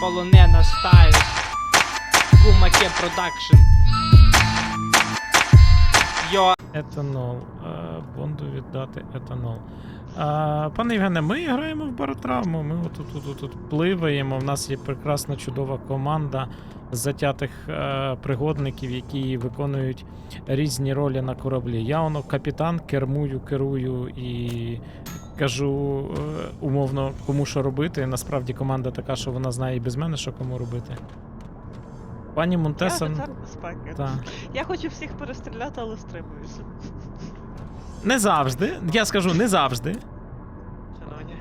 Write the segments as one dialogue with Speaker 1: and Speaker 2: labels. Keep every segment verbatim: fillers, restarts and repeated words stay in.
Speaker 1: полонена стайл. Кумаке продакшн. Йо.
Speaker 2: Етанол. Е, Бонду віддати етанол. Е, Пане Євгене, ми граємо в баротравму, ми отут тут, тут, тут пливаємо. В нас є прекрасна чудова команда затятих е, пригодників, які виконують різні ролі на кораблі. Я воно капітан, кермую, керую і кажу е, умовно, кому що робити. Насправді команда така, що вона знає і без мене, що кому робити. Пані Монтеса...
Speaker 3: Я офіцер безпеки.
Speaker 2: Так.
Speaker 3: Я хочу всіх перестріляти, але стримуюся.
Speaker 2: Не завжди. Я скажу, не завжди.
Speaker 3: Шановні.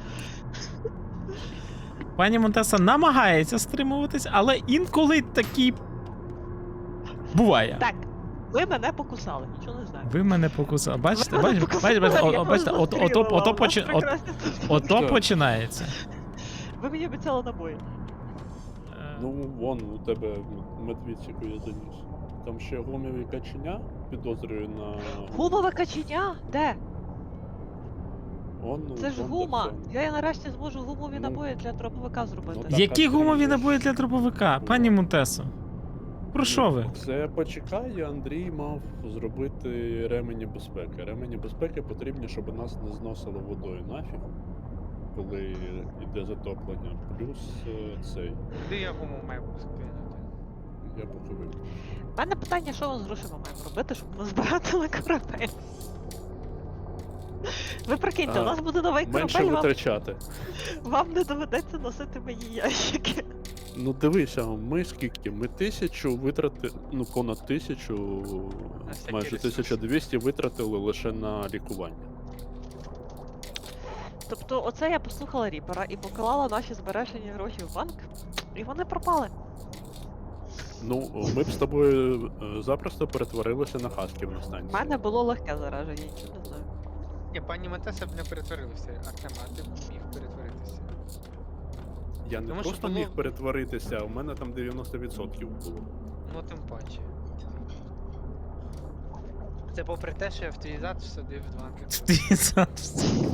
Speaker 2: Пані Монтеса намагається стримуватись, але інколи такі буває.
Speaker 3: Так, ви мене покусали, нічого не знаю.
Speaker 2: Ви мене покусали. Бачите,
Speaker 3: Ви мене
Speaker 2: бачите,
Speaker 3: покусали,
Speaker 2: бачите, бачите,
Speaker 3: я
Speaker 2: о- бачите,
Speaker 3: вас
Speaker 2: от- ото,
Speaker 3: застрілила,
Speaker 2: ото,
Speaker 3: у нас
Speaker 2: почи- от-
Speaker 3: прекрасні
Speaker 2: ото
Speaker 4: Що?
Speaker 2: починається.
Speaker 3: Ви мені обіцяли набої.
Speaker 2: Е,
Speaker 4: Ну, вон у тебе медвідь, яку я заніс. Там ще гумові каченя підозрюю на.
Speaker 3: Гумове каченя? Де?
Speaker 4: Он, ну,
Speaker 3: Це ж
Speaker 4: вон
Speaker 3: гума.
Speaker 4: де
Speaker 3: Я нарешті зможу гумові
Speaker 4: Ну,
Speaker 3: набої для дробовика зробити.
Speaker 4: так,
Speaker 2: Які
Speaker 4: а ти
Speaker 2: гумові
Speaker 4: ж-
Speaker 2: набої для дробовика? Пані Монтесо? Про що ви?
Speaker 4: Це почекай, Андрій мав зробити ремені безпеки. Ремені безпеки потрібні, щоб нас не зносило водою нафіг, коли йде затоплення. Плюс е, цей.
Speaker 1: Де я гуму маю скинути?
Speaker 4: Я поки вийду.
Speaker 3: У мене питання, що ми з грошима маємо робити, щоб ми збирати на корабель. Ви прикиньте, у
Speaker 4: А,
Speaker 3: нас буде новий
Speaker 4: Менше
Speaker 3: корабель, вам,
Speaker 4: витрачати.
Speaker 3: вам не доведеться носити мої ящики.
Speaker 4: Ну дивися, ми скільки? Ми тисячу витрати, ну понад тисячу,
Speaker 1: всякі
Speaker 4: майже
Speaker 1: ресурси.
Speaker 4: тисяча двісті витратили лише на лікування.
Speaker 3: Тобто, оце я послухала Ріпера і поклала наші збережені гроші в банк, і вони пропали.
Speaker 4: Ну, ми б з тобою е, запросто перетворилися на хасків на
Speaker 3: У
Speaker 4: станції.
Speaker 3: мене було легке зараження, нічого не знаю.
Speaker 1: Ні, пані Монтеса б не перетворилася, Артем, а ти б міг перетворитися.
Speaker 4: Я не
Speaker 1: Тому що
Speaker 4: просто
Speaker 1: було-
Speaker 4: міг перетворитися, у мене там дев'яносто відсотків було.
Speaker 1: Ну тим паче. Це попри те, що я в твій зад всадив два кидки.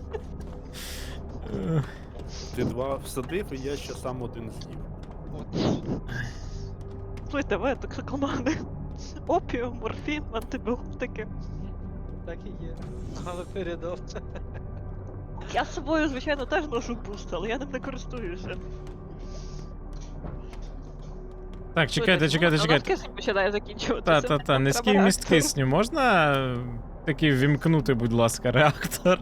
Speaker 2: Е,
Speaker 4: Ти два всадив, і я ще сам один з'їв.
Speaker 1: От.
Speaker 3: Слухайте, ви токсикомани. Опіум, морфін, антибіотики.
Speaker 1: Так і є. Але передав.
Speaker 3: Я з собою, звичайно, теж ношу буст, але я ним не користуюся.
Speaker 2: Так, чекайте, чекайте, чекайте.
Speaker 3: Кисень починає закінчуватися.
Speaker 2: Та, та, та,
Speaker 3: Нам
Speaker 2: низький
Speaker 3: треба
Speaker 2: вміст
Speaker 3: реактор.
Speaker 2: кисню. Можна е, таки вімкнути, будь ласка, реактор?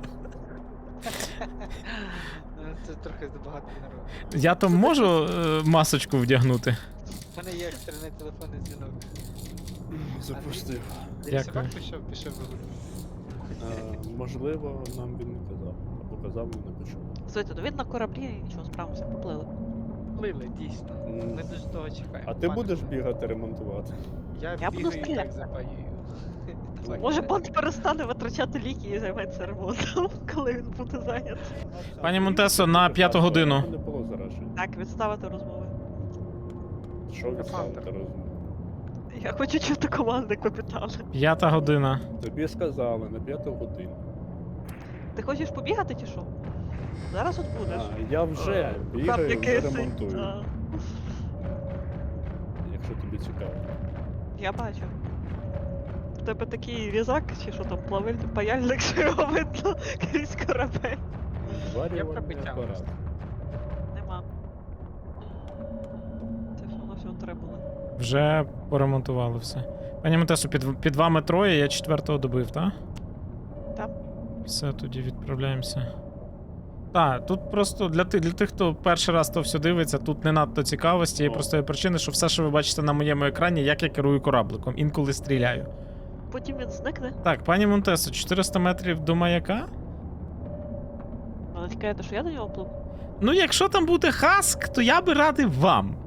Speaker 1: Ну, це трохи забагато народу.
Speaker 2: Я то можу е, масочку вдягнути?
Speaker 1: У мене є екстрений телефонний дзвінок.
Speaker 4: Запустив.
Speaker 1: Десь
Speaker 2: Дякую.
Speaker 1: собак пішов, пішов вигулювати.
Speaker 4: Е, можливо, нам він не казав. Або казав, ми не почули.
Speaker 3: Слухайте, ну він на кораблі і нічого, справимося, поплили.
Speaker 1: Плили, дійсно.
Speaker 4: М,
Speaker 1: Ми дуже того чекаємо.
Speaker 4: А ти
Speaker 1: Пане
Speaker 4: будеш
Speaker 1: Павло.
Speaker 4: бігати ремонтувати?
Speaker 1: Я,
Speaker 3: Я буду
Speaker 1: бігаю і
Speaker 3: стріляти.
Speaker 1: так запаюю. Давай.
Speaker 3: Може, бот перестане витрачати ліки і займеться ремонтом, коли він буде зайнятий.
Speaker 2: Пані Монтесо, на п'яту годину.
Speaker 4: Не було заражень.
Speaker 3: Так, відставити розмови.
Speaker 4: Що відставити розумію?
Speaker 3: Я хочу чути команди капітана.
Speaker 2: П'ята година.
Speaker 4: Тобі сказали на п'яту годину.
Speaker 3: Ти хочеш побігати чи що? Зараз от будеш.
Speaker 4: А, я вже
Speaker 3: Там
Speaker 4: бігаю, вже
Speaker 3: якийсь-
Speaker 4: ремонтую,
Speaker 3: А,
Speaker 4: якщо тобі цікаво.
Speaker 3: Я бачу. В тебе такий різак, чи що там, плавильний паяльник, що його видно крізь корабель.
Speaker 4: Зварювальний
Speaker 1: пробиття
Speaker 4: апарат.
Speaker 1: просто.
Speaker 3: Нема. Це все на всього треба було.
Speaker 2: Вже поремонтували все. Пані Монтесо, під, під вами троє, я четвертого добив, так?
Speaker 3: Так.
Speaker 2: Все, тоді відправляємося. Так, тут просто для, ти, для тих, хто перший раз то все дивиться, тут не надто цікаво з тієї
Speaker 4: О.
Speaker 2: простої причини, що все, що ви бачите на моєму екрані, як я керую корабликом, інколи стріляю.
Speaker 3: Потім він зникне.
Speaker 2: Так, пані Монтесо, чотириста метрів до маяка?
Speaker 3: Але чекаєте, що я до нього пливу?
Speaker 2: Ну, якщо там буде хаск, то я би радив вам.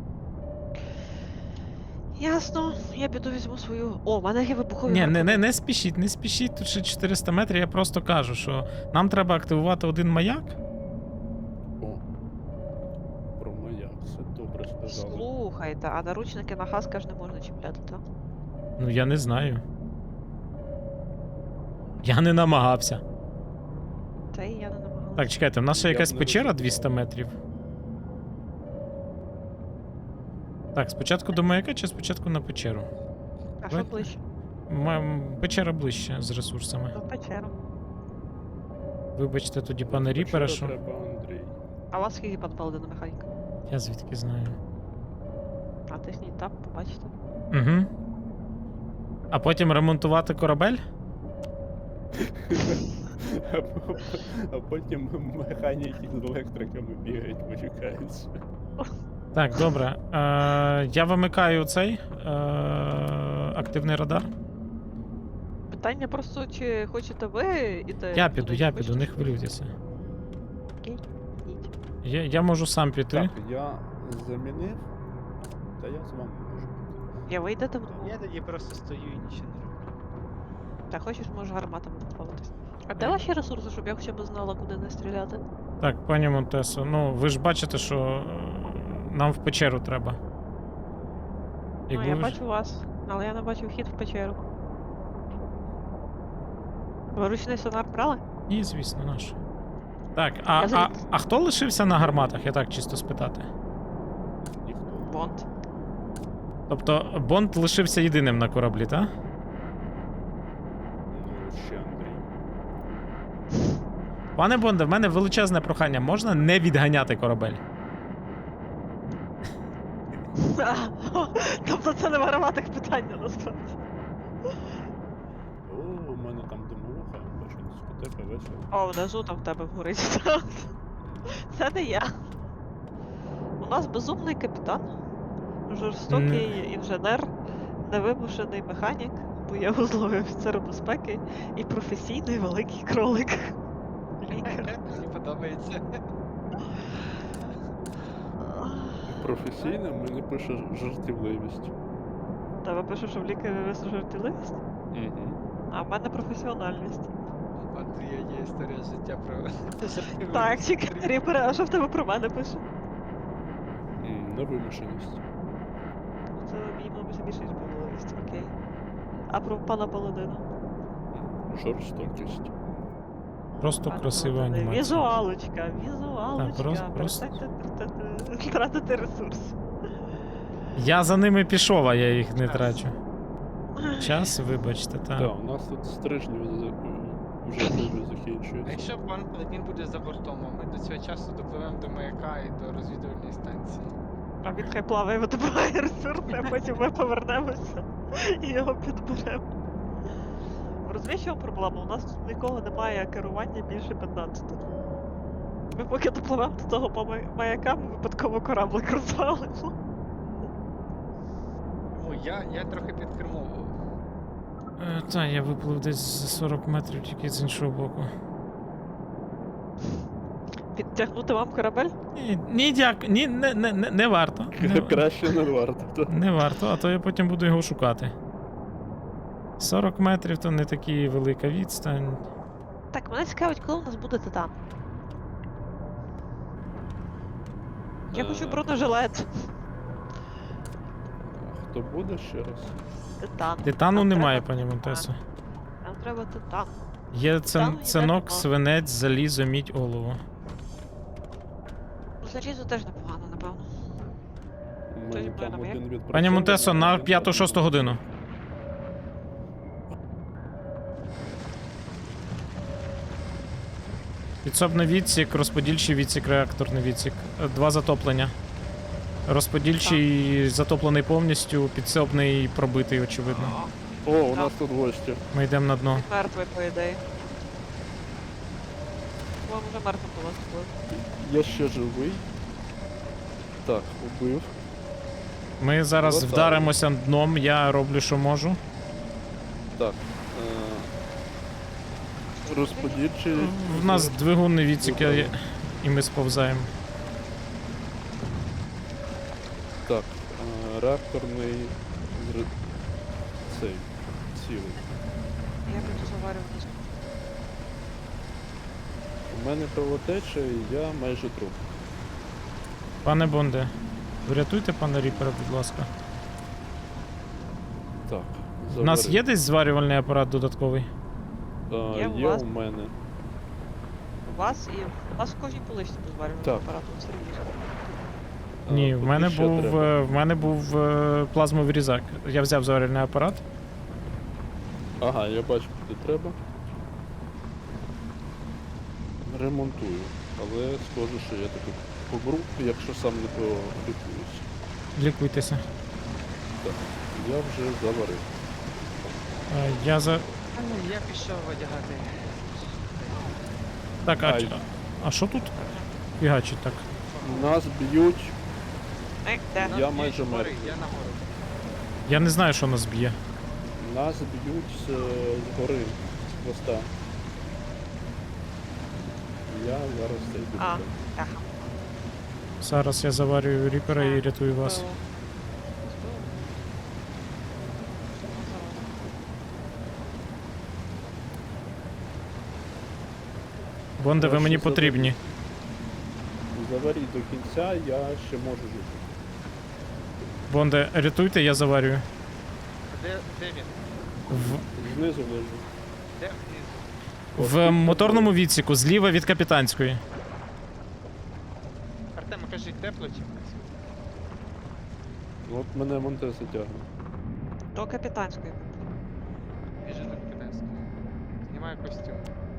Speaker 3: Ясно, я піду візьму свою. О, в мене є вибухові.
Speaker 2: Ні, не, не,
Speaker 3: гарпуни.
Speaker 2: не спішіть, не спішіть, тут ще чотириста метрів, я просто кажу, що нам треба активувати один маяк.
Speaker 4: О, про маяк, все добре сказали.
Speaker 3: Слухайте, а наручники на хаска ж не можна чіпляти, так?
Speaker 2: Ну, я не знаю. Я не намагався.
Speaker 3: Та і я не намагалася.
Speaker 2: Так, чекайте, в нас ще
Speaker 4: Я б
Speaker 2: якась
Speaker 4: не
Speaker 2: печера
Speaker 4: ризикував.
Speaker 2: двісті метрів. Так, спочатку до маяка чи спочатку на печеру?
Speaker 3: А що
Speaker 2: Давайте.
Speaker 3: ближче?
Speaker 2: М- Печера ближче з ресурсами.
Speaker 3: Ну, в печеру.
Speaker 2: Вибачте тоді, пане
Speaker 4: Печера
Speaker 2: Ріпере, що
Speaker 4: треба, Андрій.
Speaker 3: А у вас скільки пан Паладина механіка?
Speaker 2: я звідки знаю.
Speaker 3: Натисніть тап, побачите.
Speaker 2: Угу. А потім ремонтувати корабель?
Speaker 4: А по- А потім механіки з електриками бігають, почекаються.
Speaker 2: Так, добре. Е, я вимикаю цей е, активний радар.
Speaker 3: Питання просто, чи хочете ви іти?
Speaker 2: Я піду,
Speaker 3: туди,
Speaker 2: я
Speaker 3: чи
Speaker 2: піду,
Speaker 3: хочете,
Speaker 2: не
Speaker 3: щоб-
Speaker 2: хвилюйтеся.
Speaker 3: Окей, йдіть.
Speaker 2: Я, я можу сам піти.
Speaker 4: Так, я замінив, та я з вами можу піти.
Speaker 3: Я ви йдете вдвох?
Speaker 1: Я тоді просто стою і нічого не роблю.
Speaker 3: Та хочеш, можеш гарматами доплаватись. А де ваші ресурси, щоб я хоча б знала, куди не стріляти?
Speaker 2: Так, пані Монтесо, ну ви ж бачите, що е, нам в печеру треба.
Speaker 3: Ну,
Speaker 2: Якби
Speaker 3: я
Speaker 2: ви ж-
Speaker 3: бачу вас, але я не бачу вхід в печеру. Ви ручний сонар брали?
Speaker 2: Ні, звісно, наш. Так, а,
Speaker 3: Я
Speaker 2: а,
Speaker 3: заліз.
Speaker 2: а хто лишився на гарматах, я так чисто спитати.
Speaker 4: Ніхто.
Speaker 3: Бонд.
Speaker 2: Тобто Бонд лишився єдиним на кораблі, так?
Speaker 4: Ну, ще Андрій.
Speaker 2: Пане Бонде, в мене величезне прохання, можна не відганяти корабель?
Speaker 3: Тобто це не варватих питання насправді.
Speaker 4: О, у мене там димовуха, бачу, дискотека, весело.
Speaker 3: О, внизу там в тебе вгорить. Це не я. У нас безумний капітан, жорстокий інженер, невимушений механік, боєвузловий офіцер безпеки і професійний великий кролик. Лікар.
Speaker 1: Мені подобається.
Speaker 4: Професійно мені пише жартівливість.
Speaker 3: Тебе пише, що в лікарі жартівливість,
Speaker 4: Угу.
Speaker 3: а в мене професіональність.
Speaker 1: У Андрія є історія життя про жартівливість.
Speaker 3: Так, чекай, Ріпере, а що в тебе про мене пише?
Speaker 4: Невимушеність.
Speaker 3: Це мені мабуть більше ніж помиловість, окей. А про пана Паладина?
Speaker 4: Жорстокість.
Speaker 2: Просто
Speaker 3: Пане
Speaker 2: красива
Speaker 3: Паладине,
Speaker 2: анімація.
Speaker 3: Візуалочка, візуалочка.
Speaker 2: просто- просто-
Speaker 3: Перестаньте тратити- тратити ресурс.
Speaker 2: Я за ними пішов, а я їх не трачу. Час, вибачте,
Speaker 4: Так,
Speaker 2: так.
Speaker 4: у нас тут стрижні вже дуже
Speaker 1: А
Speaker 4: закінчуються.
Speaker 1: якщо пан Паладін буде за бортом, а ми до цього часу допливемо до маяка і до розвідувальної станції.
Speaker 3: А він хай плаває, видобуває ресурси, а потім ми повернемося і його підберемо. Розумієш, що проблема? У нас тут нікого немає керування більше п'ятнадцяти. Ми поки допливемо до того по май- маяка, ми випадково кораблик розвалимо.
Speaker 1: О, я, я трохи підкермовував.
Speaker 2: Е, та, я виплив десь за сорок метрів тільки з іншого боку.
Speaker 3: Підтягнути вам корабель?
Speaker 2: Ні, ні, дякую, ні, не, не, не, не варто. Не,
Speaker 4: Краще не варто. та.
Speaker 2: не варто, а то я потім буду його шукати. сорок метрів то не така велика відстань.
Speaker 3: Так, мене цікавить, коли у нас буде титан. Я хочу
Speaker 4: Е,
Speaker 3: бронежилет.
Speaker 4: Хто буде ще раз?
Speaker 3: Титан.
Speaker 2: Титану
Speaker 3: Нам
Speaker 2: немає,
Speaker 3: треба
Speaker 2: пані
Speaker 3: титан.
Speaker 2: Монтесо.
Speaker 3: Нам треба титан.
Speaker 2: Є
Speaker 3: Титану
Speaker 2: цин,
Speaker 3: йде
Speaker 2: цинок,
Speaker 3: нема.
Speaker 2: свинець, залізо, мідь, олово.
Speaker 3: Ну, залізо теж непогано, напевно.
Speaker 4: У
Speaker 3: Хтось
Speaker 4: мене
Speaker 3: буде
Speaker 4: там
Speaker 3: на
Speaker 4: один
Speaker 3: маяк?
Speaker 4: відпрацьований,
Speaker 2: Пані Монтесо, на
Speaker 4: один
Speaker 2: п'яту-шосту
Speaker 4: там-
Speaker 2: годину. Підсобний відсік, розподільчий відсік, реакторний відсік. Е, Два затоплення. Розподільчий затоплений повністю, підсобний пробитий, очевидно.
Speaker 4: О, у нас тут гості.
Speaker 2: Ми йдемо на дно.
Speaker 3: Він мертвий, по ідеї. Вам вже мертвим до вас було.
Speaker 4: Я ще живий. Так, убив.
Speaker 2: Ми зараз
Speaker 4: Готово.
Speaker 2: вдаримося дном, я роблю, що можу.
Speaker 4: Так. Е... Розподільчий.
Speaker 2: В нас двигунний відсік, я- і ми сповзаємо.
Speaker 4: Так. Е... Реакторний. зр- Цей. Цілий.
Speaker 3: Я буду заварювати.
Speaker 4: У мене кровотеча і я майже труп.
Speaker 2: Пане Бонде, врятуйте пана Ріпера, будь ласка.
Speaker 4: Так.
Speaker 2: У нас
Speaker 4: заварив.
Speaker 2: є десь зварювальний апарат додатковий?
Speaker 4: Е,
Speaker 3: Є у
Speaker 4: є
Speaker 3: вас?
Speaker 4: у мене.
Speaker 3: У вас і у вас в кожній поличці дозварювальний
Speaker 4: Так.
Speaker 3: апарат, от серйозно.
Speaker 2: Ні,
Speaker 4: А,
Speaker 2: в
Speaker 4: тобі
Speaker 2: мене
Speaker 4: що
Speaker 2: був,
Speaker 4: треба?
Speaker 2: е, в мене був е, плазмовий різак. Я взяв зварювальний апарат.
Speaker 4: Ага, я бачу, куди треба. Ремонтую. Але схоже, що я таки помру, якщо сам не полікуюсь.
Speaker 2: Лікуйтеся.
Speaker 4: Так, я вже заварив.
Speaker 2: Е, Я за.
Speaker 1: А, ні, я пішов одягати.
Speaker 2: Так, а,
Speaker 4: Ай.
Speaker 2: ч- а що тут? Фігачить так.
Speaker 4: Нас б'ють.
Speaker 3: Ей, де?
Speaker 4: Я
Speaker 1: Нас
Speaker 4: майже
Speaker 1: б'ють гори,
Speaker 4: мертвий.
Speaker 1: Я нагору.
Speaker 2: Я не знаю, що нас б'є.
Speaker 4: Нас б'ють з, з гори, з хвоста. Я зараз це йду.
Speaker 3: А.
Speaker 4: туди.
Speaker 3: Ага.
Speaker 2: Зараз я заварюю ріпера і рятую вас.
Speaker 3: Збило. Збило. Що воно зараз?
Speaker 2: Бонде, ви
Speaker 4: Краще
Speaker 2: мені
Speaker 4: заварю.
Speaker 2: потрібні.
Speaker 4: Заваріть до кінця, я ще можу жити.
Speaker 2: Бонде, рятуйте, я заварюю.
Speaker 1: Де, де він?
Speaker 2: В,
Speaker 4: Знизу лежу.
Speaker 1: Де внизу?
Speaker 2: в моторному відсіку, зліва від капітанської.
Speaker 1: Артем, кажи, тепло чи внизу?
Speaker 4: От мене Монтеса тягне.
Speaker 3: До капітанської.
Speaker 1: Біжи до капітанської. Знімаю костюм.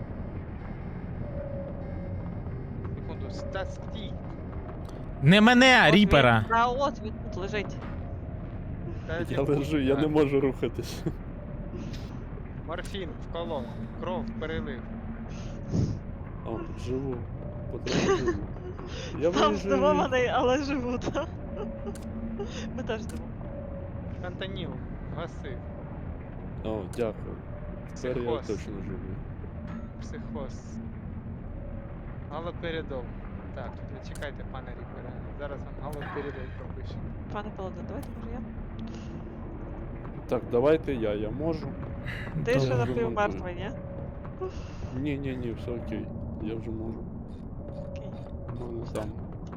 Speaker 1: Секунду, ста стій.
Speaker 2: Не мене,
Speaker 3: От
Speaker 2: ріпера!
Speaker 3: він- Та от він тут лежить.
Speaker 1: Та
Speaker 4: Я лежу, я не можу рухатись.
Speaker 1: Морфін, вколов, кров, перелив.
Speaker 4: О, живу. Потроху живу. Я
Speaker 3: Там
Speaker 4: виїжджаю.
Speaker 3: здивований, але живу, так? Ми теж здивовані.
Speaker 1: Фентаніл, гасив,
Speaker 4: О, дякую. Тепер я
Speaker 1: психоз,
Speaker 4: точно живу.
Speaker 1: психоз. Галоперидол. Так, чекайте, пане Ріпере. Зараз вам галоперидол пропишу.
Speaker 3: Пане Паладин, давайте може я?
Speaker 4: Так, давайте я, я можу.
Speaker 3: Ти ще
Speaker 2: Добре.
Speaker 3: напівмертвий, ні?
Speaker 4: Ні, ні, ні, все окей. Я вже можу.
Speaker 3: Окей.
Speaker 4: У мене там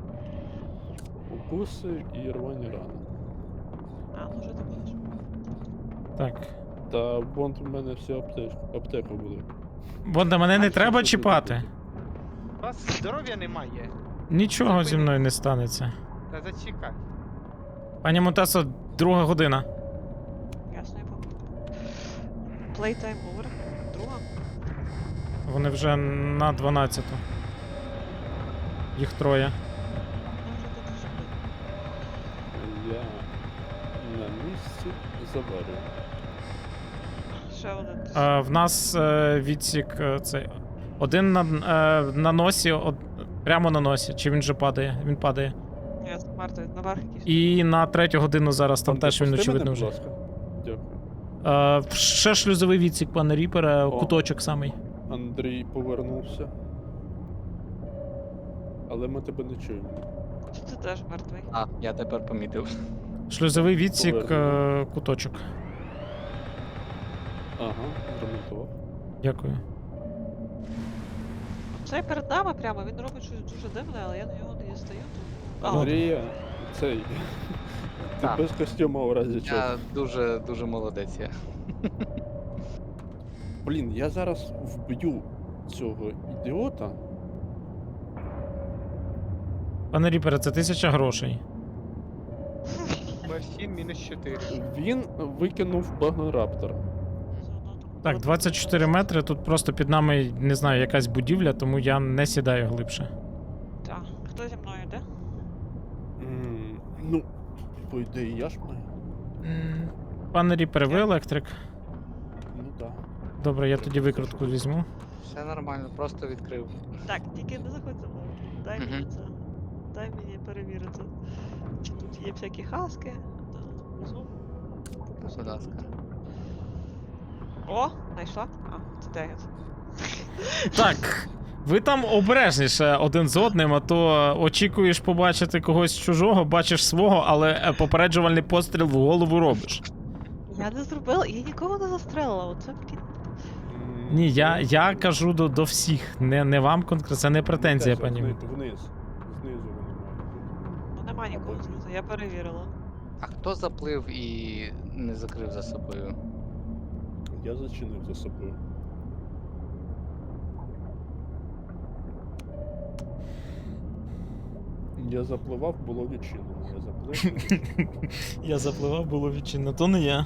Speaker 4: укуси і рвані рани.
Speaker 3: А, ну вже ти будеш.
Speaker 2: Так.
Speaker 4: Та бонд у мене вся аптека, аптека буде.
Speaker 2: Бонде, мене не
Speaker 4: А,
Speaker 2: треба
Speaker 4: що
Speaker 2: чіпати.
Speaker 4: тут?
Speaker 1: У вас здоров'я немає.
Speaker 2: Нічого зі мною не станеться.
Speaker 1: Та зачекай.
Speaker 2: Пані Монтесо, друга година.
Speaker 3: Ясно, я помню. Playtime over. Друга.
Speaker 2: Вони вже на дванадцяту. Їх троє.
Speaker 3: Ну вже тут дуже близько.
Speaker 4: Я на місці заварю.
Speaker 3: Ще один.
Speaker 2: А, в нас е, відсік е, цей. Один на, е, на носі, од, прямо на носі. Чи він вже падає? Він падає.
Speaker 3: Ні, мертвий, наверх якийсь.
Speaker 2: І на третю годину зараз там
Speaker 4: Бонде,
Speaker 2: теж він
Speaker 4: пусти
Speaker 2: очевидно
Speaker 4: мене,
Speaker 2: вже.
Speaker 4: будь ласка. Дякую.
Speaker 2: Е, ще шлюзовий відсік, пане Ріпере,
Speaker 4: О.
Speaker 2: куточок самий.
Speaker 4: Андрій повернувся. Але ми тебе не чуємо.
Speaker 3: Чи ти теж мертвий?
Speaker 5: А, я тепер помітив.
Speaker 2: Шлюзовий відсік, е,
Speaker 4: Повернемо.
Speaker 2: куточок.
Speaker 4: Ага, зремонтував.
Speaker 2: Дякую.
Speaker 3: Цей перед нами прямо, він робить щось дуже дивне, але я на нього не дістаю. тому- А,
Speaker 4: Андрія, цей. Ти
Speaker 5: Так.
Speaker 4: без костюма в разі чого.
Speaker 5: Я дуже дуже молодець. Я.
Speaker 4: Блін, я зараз вб'ю цього ідіота.
Speaker 2: Пане Ріпере, це тисяча грошей.
Speaker 1: Морфін мінус чотири.
Speaker 4: Він викинув багнораптор.
Speaker 3: заодно там
Speaker 2: Так,
Speaker 3: було-
Speaker 2: двадцять чотири метри. Тут просто під нами, не знаю, якась будівля, тому я не сідаю глибше.
Speaker 3: Так, хто зі мною йде?
Speaker 4: М, Ну, по ідеї, я ж маю.
Speaker 2: М, Пане Ріпере, ви електрик?
Speaker 4: Ну так.
Speaker 2: Добре, я тоді викрутку візьму.
Speaker 5: Все нормально, просто відкрив.
Speaker 3: Так, тільки не заходь за мною. Дай мені
Speaker 5: Мгм.
Speaker 3: це. Дай мені перевірити. Чи тут є всякі хаски? Та, внизу.
Speaker 5: Будь ласка.
Speaker 3: О, знайшла? А, це дев'ять.
Speaker 2: Так, ви там обережніше один з одним, а то очікуєш побачити когось чужого, бачиш свого, але е, попереджувальний постріл в голову робиш.
Speaker 3: Я не зробила, я нікого не застрелила, оце блін.
Speaker 4: М,
Speaker 2: Ні, я, я кажу до, до всіх, не, не вам конкретно, це не претензія,
Speaker 4: Теж
Speaker 2: пані.
Speaker 4: Вниз, вниз. Знизу вони мають
Speaker 3: Ну нема нікого
Speaker 4: Або-
Speaker 3: знизу, я перевірила.
Speaker 5: А хто заплив і не закрив за собою?
Speaker 4: бути. Я зачинив за собою. Я запливав, було відчинено. Я заплив.
Speaker 2: Я запливав, було відчинено, то не я.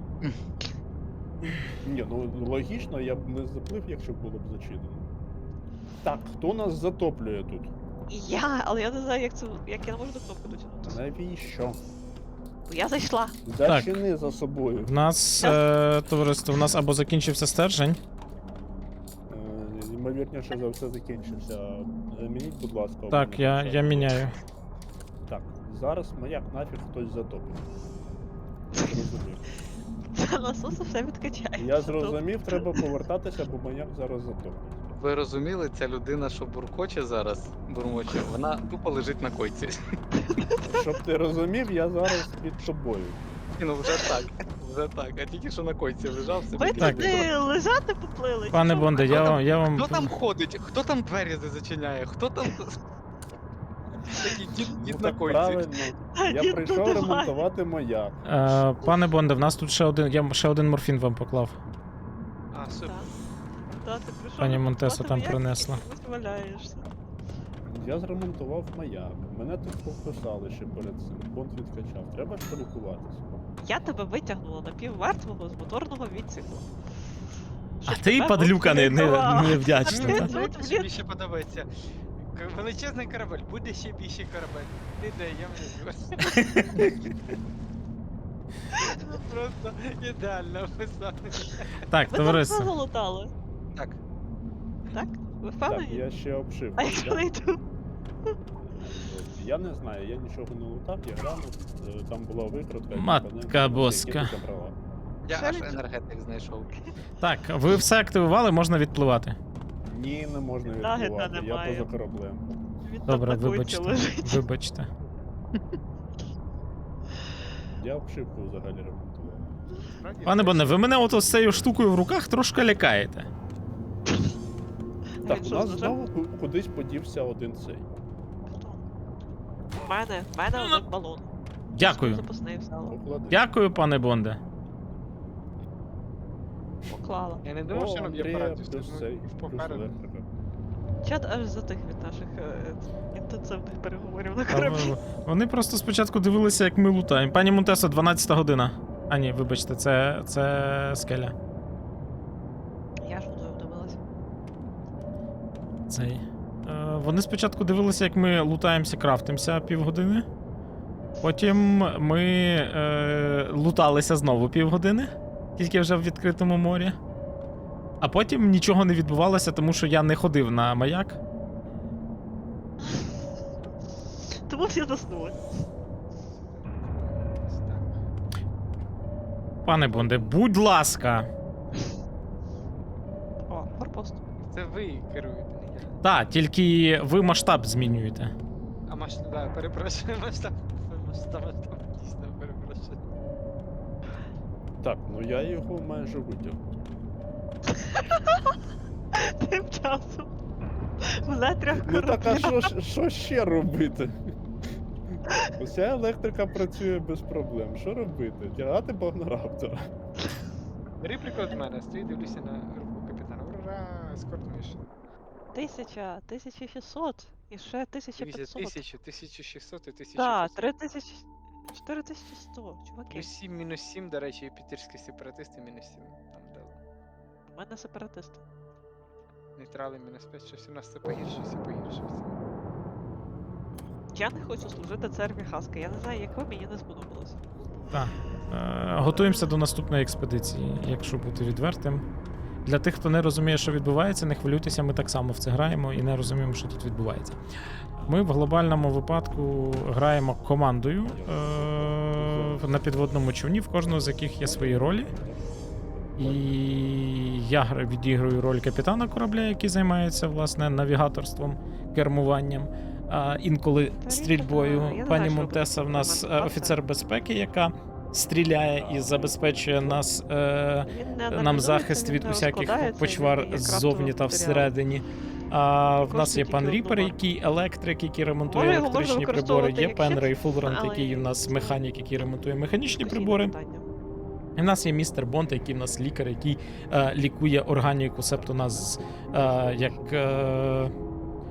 Speaker 4: Ні, ну логічно, я б не заплив, якщо було б зачинено. Так, хто нас затоплює тут?
Speaker 3: Я, але я не знаю, як це. Як я не можу до кнопки дотягнутися.
Speaker 4: Навіщо?
Speaker 3: Бо я зайшла.
Speaker 4: Зачини за собою.
Speaker 2: В нас, е, товариство, в нас або закінчився стержень.
Speaker 4: Е, Ймовірніше за все закінчився. Е, Мініть, будь ласка. у
Speaker 2: Так,
Speaker 4: мене
Speaker 2: я,
Speaker 4: все.
Speaker 2: я міняю.
Speaker 4: Так, зараз маяк нафіг хтось затопив. Я зрозумів.
Speaker 3: Це насоси все відкачає.
Speaker 4: Я зрозумів, треба повертатися, бо маяк зараз затоплить.
Speaker 5: Ви розуміли, ця людина, що буркоче зараз, бурмоче, вона тупо лежить на койці.
Speaker 4: Щоб ти розумів, я зараз під тобою.
Speaker 5: Ні, ну вже так, вже так. А тільки що на койці лежав собі.
Speaker 3: Ви
Speaker 2: Так.
Speaker 3: туди лежати поплили? чи
Speaker 2: Пане
Speaker 3: що?
Speaker 2: Бонде, я, вам- я вам.
Speaker 5: Хто там ходить? Хто там двері зачиняє? Хто там. Такий дід,
Speaker 4: Ну,
Speaker 5: дід на
Speaker 4: так
Speaker 5: койці.
Speaker 4: правильно. Я
Speaker 3: Дід
Speaker 4: прийшов
Speaker 3: додуває.
Speaker 4: ремонтувати маяк.
Speaker 2: Е, пане Бонде, в нас тут ще один. Я ще один морфін вам поклав.
Speaker 5: А, супер.
Speaker 3: Та, ти прийшов
Speaker 2: Пані
Speaker 3: ремонтувати
Speaker 2: Монтесо там
Speaker 3: маяк,
Speaker 2: принесла.
Speaker 3: і чомусь валяєшся.
Speaker 4: Я зремонтував маяк. Мене тут покусали ще перед цим. Бонд відкачав. Треба ж полікуватися.
Speaker 3: Я тебе витягнула напівмертвого з моторного відсіку.
Speaker 2: А
Speaker 3: Щоб
Speaker 2: ти,
Speaker 3: тебе
Speaker 2: падлюка, не, не,
Speaker 3: врятувала.
Speaker 2: не вдячна.
Speaker 3: Ні,
Speaker 2: та?
Speaker 3: ну,
Speaker 6: Знаєте, що
Speaker 3: блін.
Speaker 6: більше подобається? К- Величезний корабель, буде ще більший корабель. Не дай, я внизу. Ну, просто ідеально описали.
Speaker 2: Так,
Speaker 3: Ви там все
Speaker 2: товариство.
Speaker 3: залутали,
Speaker 5: Так.
Speaker 3: так? Ви
Speaker 4: Так,
Speaker 3: впевнені?
Speaker 4: я ще обшив.
Speaker 3: А якщо не йду?
Speaker 4: Я не знаю, я нічого не лутав, я глянув, е, там була викрутка. і
Speaker 2: Матка
Speaker 4: компоненти,
Speaker 2: боска.
Speaker 4: які ти забрала.
Speaker 5: Я
Speaker 3: Ще
Speaker 5: аж
Speaker 3: нічого.
Speaker 5: енергетик знайшов.
Speaker 2: Так, ви все активували, можна відпливати.
Speaker 4: Ні, не можна
Speaker 3: Нагида
Speaker 4: відбувати, я
Speaker 3: немає.
Speaker 4: поза кораблем.
Speaker 3: Він
Speaker 2: Добре,
Speaker 3: там на койці
Speaker 2: вибачте.
Speaker 3: лежить.
Speaker 2: Вибачте.
Speaker 4: Я обшивку взагалі ремонтував.
Speaker 6: Справді,
Speaker 2: Пане
Speaker 6: це
Speaker 2: Бонде,
Speaker 6: все.
Speaker 2: ви мене ото з цією штукою в руках трошки лякаєте.
Speaker 4: Так,
Speaker 3: Він
Speaker 4: у
Speaker 3: що,
Speaker 4: нас
Speaker 3: з ножем?
Speaker 4: знову ку- кудись подівся один цей.
Speaker 3: Хто? В мене, в мене один балон.
Speaker 2: Дякую.
Speaker 3: Запасний взяла.
Speaker 4: Поклади.
Speaker 2: Дякую, пане Бонде.
Speaker 3: Поклала.
Speaker 6: Я не думав,
Speaker 4: О,
Speaker 6: що нам є
Speaker 4: Андрія
Speaker 6: порадість.
Speaker 4: плюс цей, плюс
Speaker 6: Попереду.
Speaker 4: електрика.
Speaker 3: Чат аж затих від наших е, інтенсивних переговорів на
Speaker 2: А
Speaker 3: кораблі.
Speaker 2: ви- Вони просто спочатку дивилися, як ми лутаємо. Пані Монтесо, дванадцята година. А ні, вибачте, це, це скеля.
Speaker 3: Я ж мною вдивилася.
Speaker 2: Цей. Е, вони спочатку дивилися, як ми лутаємося, крафтимося півгодини. Потім ми е, луталися знову півгодини, тільки вже в відкритому морі. А потім нічого не відбувалося, тому що я не ходив на маяк.
Speaker 3: Тому всі заснули.
Speaker 2: Пане Бонде, будь ласка.
Speaker 3: О, форпост.
Speaker 6: Це ви керуєте, не я.
Speaker 2: Так, тільки ви масштаб змінюєте.
Speaker 6: А масштаб, да, перепрошую, масштаб. Масштаб, масштаб, дійсно, перепрошую.
Speaker 4: Так, ну я його майже витягнув.
Speaker 3: Тим часом. В нетрях
Speaker 4: Ну так, а
Speaker 3: корабля.
Speaker 4: що, ж- що ще робити? Уся електрика працює без проблем. Що робити? Тягати Багнораптора.
Speaker 6: Бери приклад з мене, стою, дивлюся на руку капітана. Ура, ескорт мішн.
Speaker 3: Тисяча, тисяча шістсот і ще тисяча
Speaker 6: Дивіться,
Speaker 3: п'ятсот.
Speaker 6: тисячу, тисячу шістсот і тисячу
Speaker 3: Так,
Speaker 6: п'ятсот.
Speaker 3: три тисячі. Чотири тисячі сто, чуваки.
Speaker 6: Плюс сім, мінус сім, до речі, юпітерські сепаратисти мінус сім. Там дали.
Speaker 3: У мене сепаратисти.
Speaker 6: Нейтрали мінус п'ять, щось у нас це погіршується, погіршується.
Speaker 3: Я не хочу служити церкві Хаски. Я не знаю, як ви, мені не сподобалося.
Speaker 2: Так. Е, готуємося до наступної експедиції, якщо бути відвертим. Для тих, хто не розуміє, що відбувається, не хвилюйтеся, ми так само в це граємо і не розуміємо, що тут відбувається. Ми в глобальному випадку граємо командою е- на підводному човні, в кожного з яких є свої ролі. І я гра- відіграю роль капітана корабля, який займається власне навігаторством, кермуванням. А інколи
Speaker 3: Та
Speaker 2: стрільбою.
Speaker 3: рідко, я не
Speaker 2: Пані
Speaker 3: знаю, що
Speaker 2: Монтеса в
Speaker 3: робити
Speaker 2: нас
Speaker 3: з
Speaker 2: е,
Speaker 3: моменту
Speaker 2: офіцер безпеки, яка стріляє і забезпечує нас е,
Speaker 3: Він не
Speaker 2: нам
Speaker 3: аналізується,
Speaker 2: захист
Speaker 3: він
Speaker 2: від
Speaker 3: не
Speaker 2: усяких
Speaker 3: розкладається,
Speaker 2: почвар
Speaker 3: він є
Speaker 2: ззовні
Speaker 3: крафтовий
Speaker 2: та
Speaker 3: матеріал.
Speaker 2: всередині. А в
Speaker 3: Коштує
Speaker 2: нас є
Speaker 3: тільки
Speaker 2: пан
Speaker 3: одну
Speaker 2: Ріпер,
Speaker 3: марку.
Speaker 2: який електрик, який ремонтує
Speaker 3: Може, його можна
Speaker 2: електричні прибори.
Speaker 3: використовувати
Speaker 2: Є
Speaker 3: як
Speaker 2: пан
Speaker 3: щит,
Speaker 2: Рей Фулрант,
Speaker 3: але
Speaker 2: який в нас
Speaker 3: це
Speaker 2: механік, який ремонтує механічні
Speaker 3: постійне
Speaker 2: прибори.
Speaker 3: питання.
Speaker 2: І в нас є містер Бонд, який в нас лікар, який е, лікує органіку, себто нас е, як е,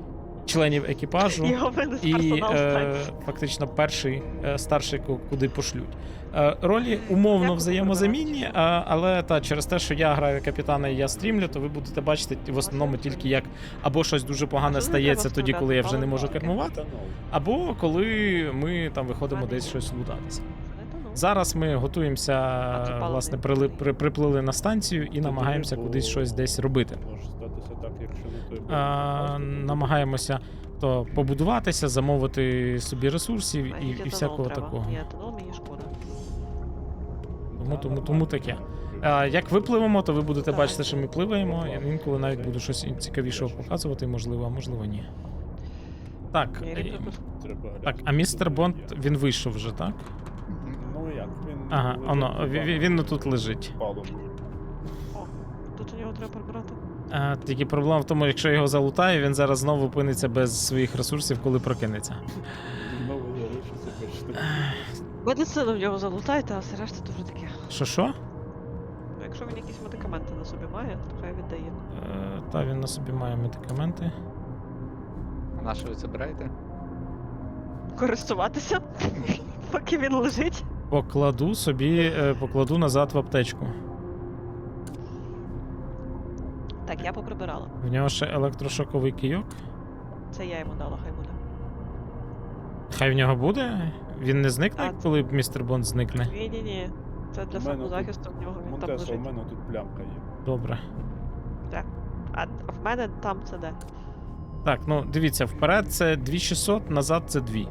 Speaker 2: членів екіпажу.
Speaker 3: Його винес
Speaker 2: І
Speaker 3: персонал
Speaker 2: е,
Speaker 3: станції.
Speaker 2: фактично перший е, старший, ку- куди пошлють. Е, ролі умовно
Speaker 3: Як
Speaker 2: взаємозамінні, е, але та через те, що я граю капітана і я стрімлю, то ви будете бачити в основному тільки як або щось дуже погане
Speaker 3: Що не
Speaker 2: стається
Speaker 3: треба
Speaker 2: тоді, коли я вже не
Speaker 3: вставляти,
Speaker 2: можу
Speaker 3: але
Speaker 2: кермувати,
Speaker 4: Етанол.
Speaker 2: або коли ми там виходимо
Speaker 3: Пане
Speaker 2: десь
Speaker 3: Ігор.
Speaker 2: щось лутатися.
Speaker 3: Це не то, ну.
Speaker 2: Зараз ми готуємося,
Speaker 3: це паливний.
Speaker 2: власне, прили, при, приплили на станцію і намагаємося
Speaker 4: Бо
Speaker 2: кудись щось десь робити.
Speaker 4: Може статися так, якщо не той
Speaker 2: А,
Speaker 4: бронепоїзд, то
Speaker 2: намагаємося то побудуватися, замовити собі ресурсів і,
Speaker 3: Мені
Speaker 2: і
Speaker 3: етанол
Speaker 2: всякого
Speaker 3: треба.
Speaker 2: такого.
Speaker 3: Ні, етанол мені шкода.
Speaker 2: Тому,
Speaker 4: Та,
Speaker 2: тому,
Speaker 4: нормально.
Speaker 2: тому таке. А, як випливемо, то ви будете
Speaker 3: Так.
Speaker 2: бачити, що ми пливаємо. Я інколи навіть буду щось цікавішого показувати, можливо, а можливо ні. Так,
Speaker 3: Я
Speaker 2: е,
Speaker 3: рік пропустив.
Speaker 4: Треба
Speaker 2: так,
Speaker 4: глянути,
Speaker 2: а містер
Speaker 4: що
Speaker 2: Бонд,
Speaker 4: є.
Speaker 2: він вийшов вже, так?
Speaker 4: Ну як, він.
Speaker 2: Ага,
Speaker 4: лежить
Speaker 2: оно,
Speaker 4: на
Speaker 2: він, він, він тут лежить.
Speaker 4: палубі.
Speaker 3: О, тут у нього треба прибрати.
Speaker 2: А, тільки проблема в тому, якщо його залутає, він зараз знову опиниться без своїх ресурсів, коли прокинеться.
Speaker 4: Знову залишиться почти.
Speaker 3: Медицину в нього залутайте, а все решта то вже таке.
Speaker 2: Що що?
Speaker 3: Ну, якщо він якісь медикаменти на собі має, то хай віддає.
Speaker 2: Е, та він на собі має медикаменти.
Speaker 5: А на що ви забираєте?
Speaker 3: Користуватися, поки він лежить.
Speaker 2: Покладу собі, е, покладу назад в аптечку.
Speaker 3: Так, я поприбирала.
Speaker 2: В нього ще електрошоковий кийок.
Speaker 3: Це я йому дала, хай буде.
Speaker 2: Хай в нього буде. Він не зникне,
Speaker 3: А,
Speaker 2: коли містер Бонд зникне.
Speaker 3: Ні, ні, ні. Це для
Speaker 4: У мене
Speaker 3: самозахисту в нього він там
Speaker 4: Монтесо, у
Speaker 3: лежить.
Speaker 4: мене тут плямка є.
Speaker 2: Добре.
Speaker 3: А в мене там це де?
Speaker 2: Так, ну дивіться, вперед це дві тисячі шістсот, назад це дві.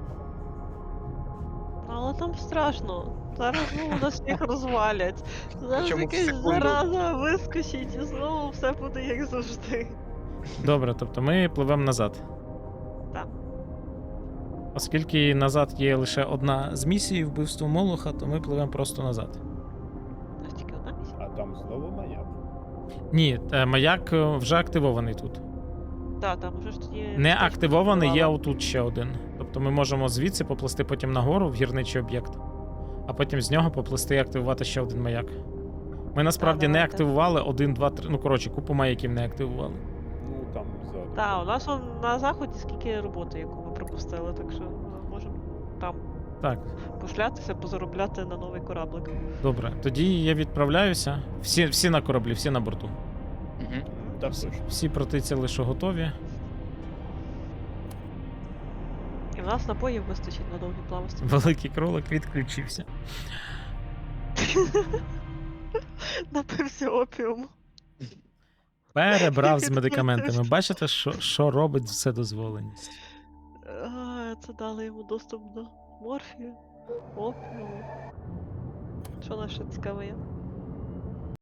Speaker 3: Ну, але там страшно. Зараз знову нас всіх розвалять. Зараз
Speaker 5: Причому в
Speaker 3: якась
Speaker 5: секунду.
Speaker 3: зараза вискочить і знову все буде як завжди.
Speaker 2: Добре, тобто ми пливемо назад.
Speaker 3: Так.
Speaker 2: Оскільки назад є лише одна з місій вбивство Молоха, то ми пливемо просто назад.
Speaker 3: У нас тільки одна місія.
Speaker 4: А там знову маяк.
Speaker 2: Ні, е, маяк е, вже активований тут.
Speaker 3: Так, там вже ж тоді.
Speaker 2: Не
Speaker 3: точно
Speaker 2: активований, є
Speaker 3: активувала.
Speaker 2: отут ще один. Тобто ми можемо звідси поплисти потім нагору в гірничий об'єкт, а потім з нього поплисти і активувати ще один маяк. Ми насправді не
Speaker 3: давайте.
Speaker 2: активували один, два, три. Ну, коротше, купу маяків не активували.
Speaker 4: Ну там ззаду.
Speaker 3: Так, у нас он на заході скільки роботи, яку ми пропустили, так що ми можемо там
Speaker 2: Так,
Speaker 3: пошлятися, позаробляти на новий кораблик.
Speaker 2: добре. Тоді я відправляюся. Всі, всі на кораблі, всі на борту.
Speaker 5: Угу.
Speaker 4: Так
Speaker 2: Всі,
Speaker 4: точно.
Speaker 2: всі протиціли, що готові.
Speaker 3: І в нас напоїв вистачить на довгі плавості.
Speaker 2: Великий кролик відключився.
Speaker 3: Напився опіуму.
Speaker 2: Перебрав з медикаментами. Бачите, що, що робить вседозволеність?
Speaker 3: А, це дали йому доступ до морфію, опіуму. Що у нас ще цікаве є?